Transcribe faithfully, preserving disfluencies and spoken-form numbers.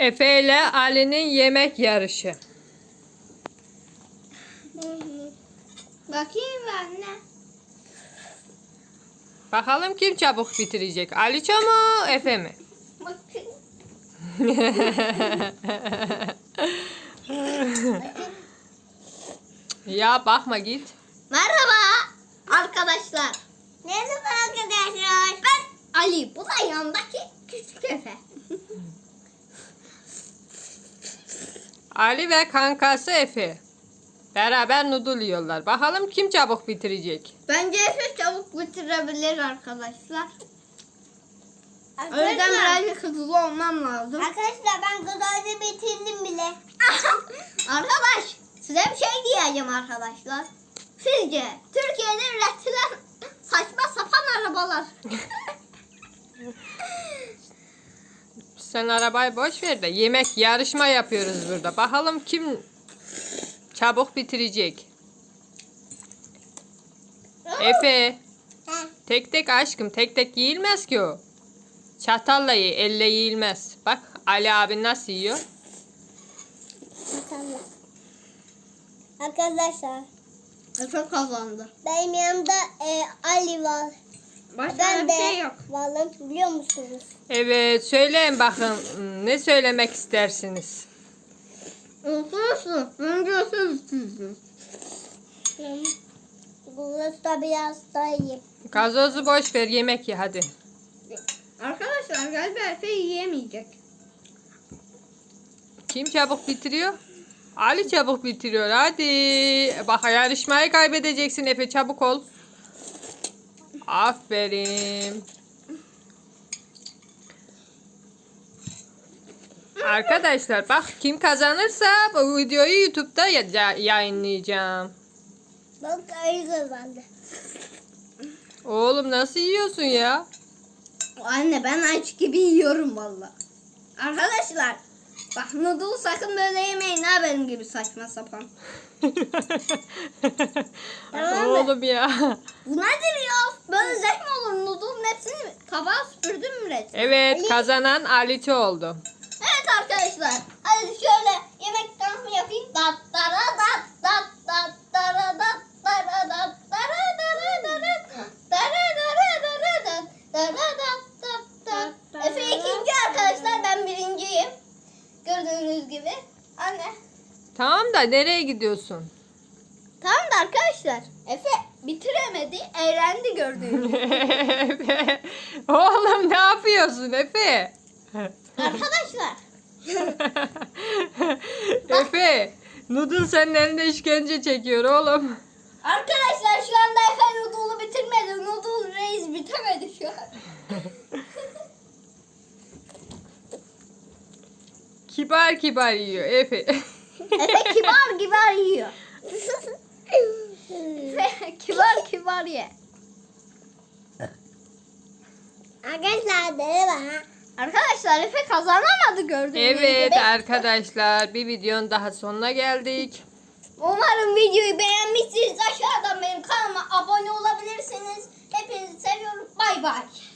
Efe ile Ali'nin yemek yarışı. Bakayım anne. Bakalım kim çabuk bitirecek? Aliço mu, Efe mi? Bakayım. Ya bakma git. Merhaba arkadaşlar. Merhaba arkadaşlar. Ben Ali. Bu da yanındaki küçük Efe. Ali ve kankası Efe. Beraber noodle yiyorlar. Bakalım kim çabuk bitirecek? Bence Efe çabuk bitirebilir arkadaşlar. O yüzden birazcık hızlı olmam lazım. Arkadaşlar ben gıdayı bitirdim bile. Arkadaş size bir şey diyeceğim arkadaşlar. Sizce Türkiye'de üretilen saçma sapan arabalar. Sen arabayı boş ver de yemek yarışma yapıyoruz burada. Bakalım kim çabuk bitirecek? Efe. He. Tek tek aşkım. Tek tek yiyilmez ki o. Çatalla ye. Elle yiyilmez. Bak Ali abi nasıl yiyor? Tamam. Arkadaşlar Efe kazandı. benim yanımda e, Ali var. Başka Ben bir de şey yok. varım biliyor musunuz? Evet. Söyleyin bakın. Ne söylemek istersiniz? Olsun. Bence sizsiniz. Hı. Burası da biraz daha iyi. Gazozu boş ver. Yemek ye hadi. Arkadaşlar galiba Efe yiyemeyecek. Kim çabuk bitiriyor? Ali çabuk bitiriyor. Hadi. Bak yarışmayı kaybedeceksin Efe. Çabuk ol. Aferin. Arkadaşlar bak kim kazanırsa bu videoyu YouTube'da ya- yayınlayacağım. Bak Ali kazandı. Oğlum nasıl yiyorsun ya? Anne ben aç gibi yiyorum valla. Arkadaşlar bak noodle sakın böyle yemeyin ha benim gibi saçma sapan. Tamam mı? Oğlum ya. Bu nedir ya? Böyle zevk mi olur? Noodle'un hepsini tabağa süpürdüm mü resmen? Evet kazanan Aliço oldu. Evet arkadaşlar. Hadi şöyle yemek tanıtımı yapayım. Dat dara dat dat dat dara dat dara dat dara dara dara dara dara dara dat dara dat dat dat. Efe ikinci arkadaşlar, ben birinciyim. Gördüğünüz gibi. Anne. Tamam da nereye gidiyorsun? Tamam da arkadaşlar. Efe bitiremedi. Eğlendi gördüğünüz gibi. Efe. Oğlum ne yapıyorsun Efe? Arkadaşlar. Efe. Noodle senin elinde işkence çekiyor oğlum. Arkadaşlar şu anda Efe noodle'u bitirmedi. Noodle reis bitemedi şu an. Kibar kibar yiyor Efe. Efe kibar kibar yiyor. Efe kibar kibar ye. Arkadaşlar merhaba. Arkadaşlar Efe kazanamadı gördüğünüz Evet gibi. arkadaşlar bir videonun daha sonuna geldik. Umarım videoyu beğenmişsiniz. Aşağıdan benim kanalıma abone olabilirsiniz. Hepinizi seviyorum. Bay bay.